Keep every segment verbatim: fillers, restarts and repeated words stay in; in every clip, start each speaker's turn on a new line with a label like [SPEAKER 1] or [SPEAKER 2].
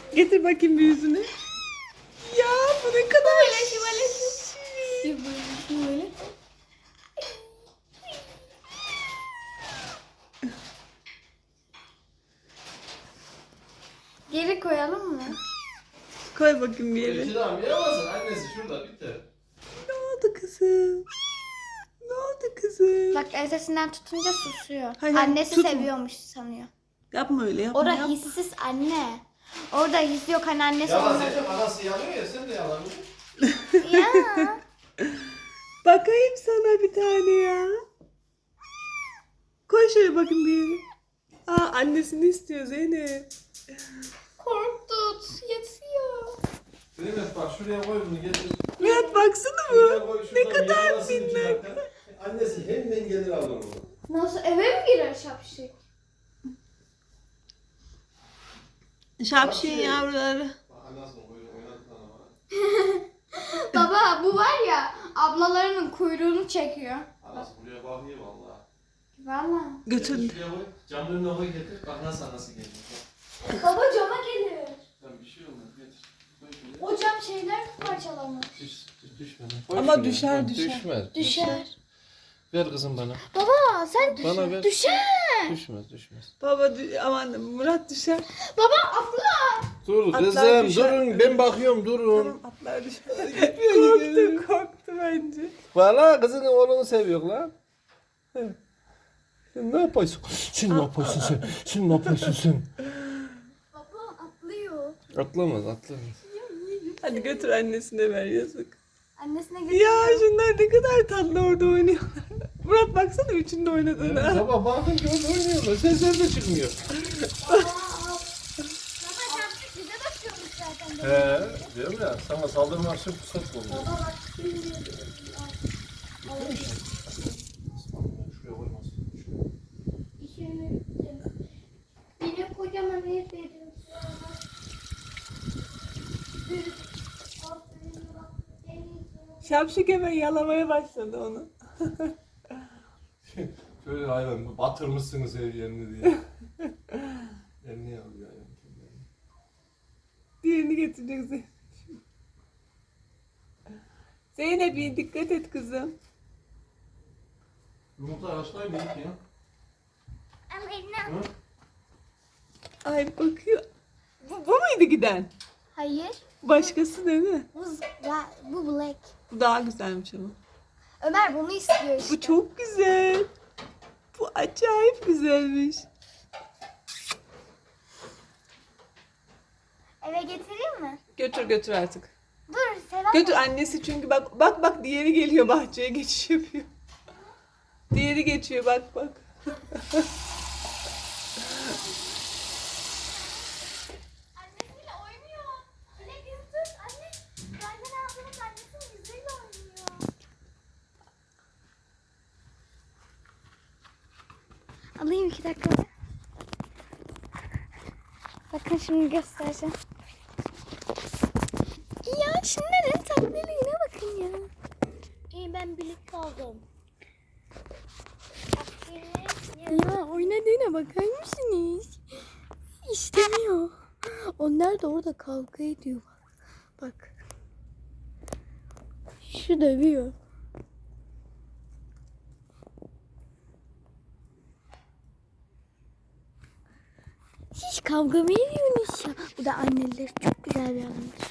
[SPEAKER 1] Getir bakayım bir yüzünü. Ya bu ne kadar
[SPEAKER 2] Böyle şöyle şöyle. Böyle böyle. Geri koyalım mı?
[SPEAKER 1] Koy bakayım bir yere.
[SPEAKER 3] İki daha yapamazsın. Annesi şurada bitti.
[SPEAKER 1] Ne oldu kızım? Ne oldu kızım?
[SPEAKER 2] Bak ensesinden tutunca susuyor.
[SPEAKER 1] Hayır, hayır,
[SPEAKER 2] Annesi
[SPEAKER 1] tutma.
[SPEAKER 2] seviyormuş sanıyor.
[SPEAKER 1] Yapma öyle yapma.
[SPEAKER 2] Orada
[SPEAKER 1] yapma.
[SPEAKER 2] hissiz anne. Orada his yok hani annesi
[SPEAKER 3] Yalan
[SPEAKER 2] olmadı.
[SPEAKER 3] Zeynep anası yanıyor ya sen de yalanıyorsun.
[SPEAKER 2] Ya.
[SPEAKER 1] Bakayım sana bir tane ya. Koy şöyle bakayım bir yere. Aa annesini istiyor Zeynep.
[SPEAKER 2] Korktut. Yatıyor.
[SPEAKER 3] Zeynep bak şuraya koy bunu getir.
[SPEAKER 1] Murat baksana
[SPEAKER 3] Şuraya
[SPEAKER 1] bu.
[SPEAKER 3] koy,
[SPEAKER 1] Ne
[SPEAKER 3] şuradan
[SPEAKER 1] kadar
[SPEAKER 3] yalasın iki
[SPEAKER 1] minnak.
[SPEAKER 3] dakika. Annesi hemen gelir alır onu.
[SPEAKER 2] Nasıl eve mi girer şapşik?
[SPEAKER 1] Şapşin yavruları.
[SPEAKER 3] Bak anasını oyun oynadık lan ama.
[SPEAKER 2] Baba bu var ya ablalarının kuyruğunu çekiyor.
[SPEAKER 3] Anası buraya bakıyor valla.
[SPEAKER 2] Valla.
[SPEAKER 1] Götür.
[SPEAKER 3] Şuraya koy. Camın önüne koy getir. Bak nasıl anası geliyor. Bak.
[SPEAKER 2] Baba cama gelir.
[SPEAKER 3] Lan bir şey olmaz getir. Koy şuraya.
[SPEAKER 2] O cam şeyler parçalanır.
[SPEAKER 3] Düş, düş, düşme lan.
[SPEAKER 1] Ama
[SPEAKER 3] Koy
[SPEAKER 1] düşer,
[SPEAKER 3] şuraya.
[SPEAKER 1] düşer.
[SPEAKER 3] Düşmez.
[SPEAKER 2] Düşer.
[SPEAKER 3] Ver kızım bana.
[SPEAKER 2] Baba sen
[SPEAKER 3] Bana ver.
[SPEAKER 2] düşer.
[SPEAKER 3] Düşmez düşmez.
[SPEAKER 1] Baba dü- aman Murat düşer.
[SPEAKER 2] Baba atla.
[SPEAKER 3] Dur
[SPEAKER 1] Atlar
[SPEAKER 3] kızım
[SPEAKER 1] düşer.
[SPEAKER 3] durun ben bakıyorum durun.
[SPEAKER 1] Tamam atlar düşer. korktu korktu bence.
[SPEAKER 3] Valla kızın oğlunu seviyor lan. He. Sen ne yapıyorsun? Sen ne yapıyorsun sen? Sen ne yapıyorsun sen?
[SPEAKER 2] Baba atlıyor.
[SPEAKER 3] Atlamaz atlamaz.
[SPEAKER 1] Hadi götür annesine ver yazık.
[SPEAKER 2] Annesine
[SPEAKER 1] Ya
[SPEAKER 2] götürüyor.
[SPEAKER 1] şunlar ne kadar tatlı orada oynuyorlar. Murat baksana üçünde oynadığına.
[SPEAKER 3] Sabah bakın ki orada oynuyorlar. Sesler de çıkmıyor.
[SPEAKER 2] Baba şapşik bize bakıyormuş zaten.
[SPEAKER 3] He, diyorum ya sana saldırmak için fırsat buldu.
[SPEAKER 2] Baba bak.
[SPEAKER 3] Şuraya koymaz.
[SPEAKER 2] İşini biri kocaman ev veriyor.
[SPEAKER 1] Şapşik hemen yalamaya başladı onu.
[SPEAKER 3] Şöyle hayvan batırmışsınız ev yerini diye. Elini alıyor hayvan.
[SPEAKER 1] Diğerini getirecek Zeynep. Zeynep dikkat et kızım.
[SPEAKER 3] Yumurta haşlayın iyi ki ya.
[SPEAKER 2] Ama eline...
[SPEAKER 3] Hı?
[SPEAKER 1] Ay bakıyor. Bu, bu muydu giden?
[SPEAKER 2] Hayır.
[SPEAKER 1] Başkası değil mi?
[SPEAKER 2] Bu, bu black.
[SPEAKER 1] Bu daha güzelmiş ama.
[SPEAKER 2] Ömer bunu istiyor işte.
[SPEAKER 1] Bu çok güzel. Bu acayip güzelmiş.
[SPEAKER 2] Eve getireyim mi?
[SPEAKER 1] Götür götür artık.
[SPEAKER 2] Dur Selam.
[SPEAKER 1] Götür annesi çünkü bak bak bak diğeri geliyor bahçeye geçiş yapıyor. Diğeri geçiyor bak bak.
[SPEAKER 2] Annesiyle oynuyor. Dilek yüzdür. Anne. Benden aldığımız annesinin yüzüyle oynuyor. Alayım iki dakika. Bakın şimdi göstereceğim. Ya şunların tatlılığına bakın ya. İyi ben birlikte aldım. Ya oynadığına bakar mısınız? İstemiyor. Onlar da orada kavga ediyor bak. Bak. Şu dövüyor. Hiç kavga mı ediyorsunuz ya? Bu da anneleri çok güzel bir annedir.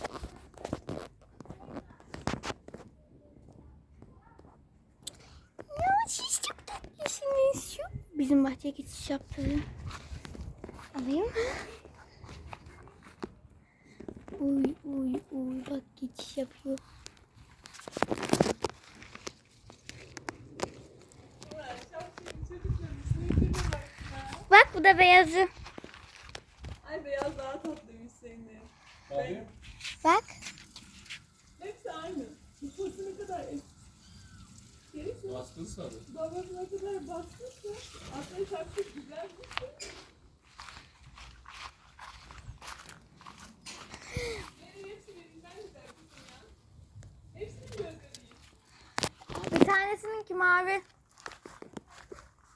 [SPEAKER 2] Ya siz çok tatlısınız. Şu bizim bahçeye geçiş yaptı. Alayım mı? Uy uy uy bak geçiş yapıyor. Bak bu da beyazı.
[SPEAKER 1] Ay beyaz daha tatlıymış Zeynep.
[SPEAKER 3] Bakayım.
[SPEAKER 2] Bak.
[SPEAKER 1] Hepsi aynı. Nüfusu ne kadar eski. Gerisi
[SPEAKER 3] Baskın sarı.
[SPEAKER 1] babası ne kadar basmışsa aslında şapşik güzelmiş. Benim hepsi birinden güzel kızım ya. Hepsinin gözleri iyi.
[SPEAKER 2] Bir tanesininki mavi.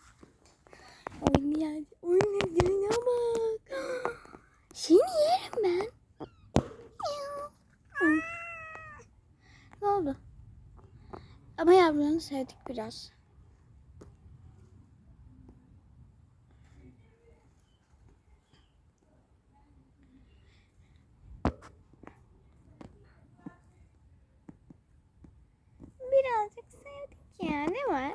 [SPEAKER 2] Oynayan, oynadığına bak. Seni yerim ben. Bunu sevdik biraz. Birazcık sevdik ya. Ne var?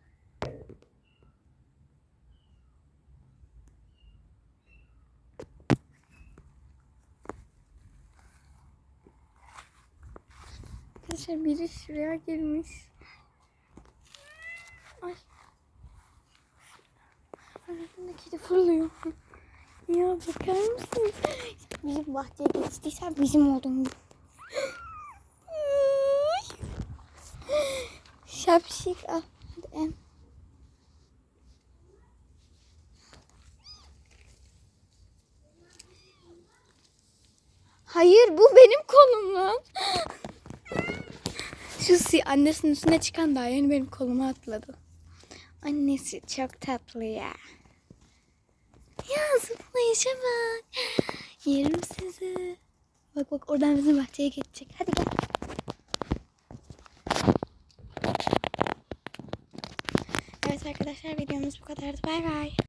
[SPEAKER 2] Arkadaşlar biri şuraya girmiş. Ay. Arasında kedi fırlıyor. Ya bakar mısınız? Bizim bahçeye geçtiysen bizim olduğunu. Şapşik al. Hadi em. Hayır bu benim kolum lan. Şu si annesinin üstüne çıkan daha yeni benim koluma atladı. Annesi çok tatlı ya. Ya zıplayışa bak. Yerim sizi. Bak bak oradan bizim bahçeye geçecek. Hadi gel. Evet arkadaşlar videomuz bu kadardı. Bay bay.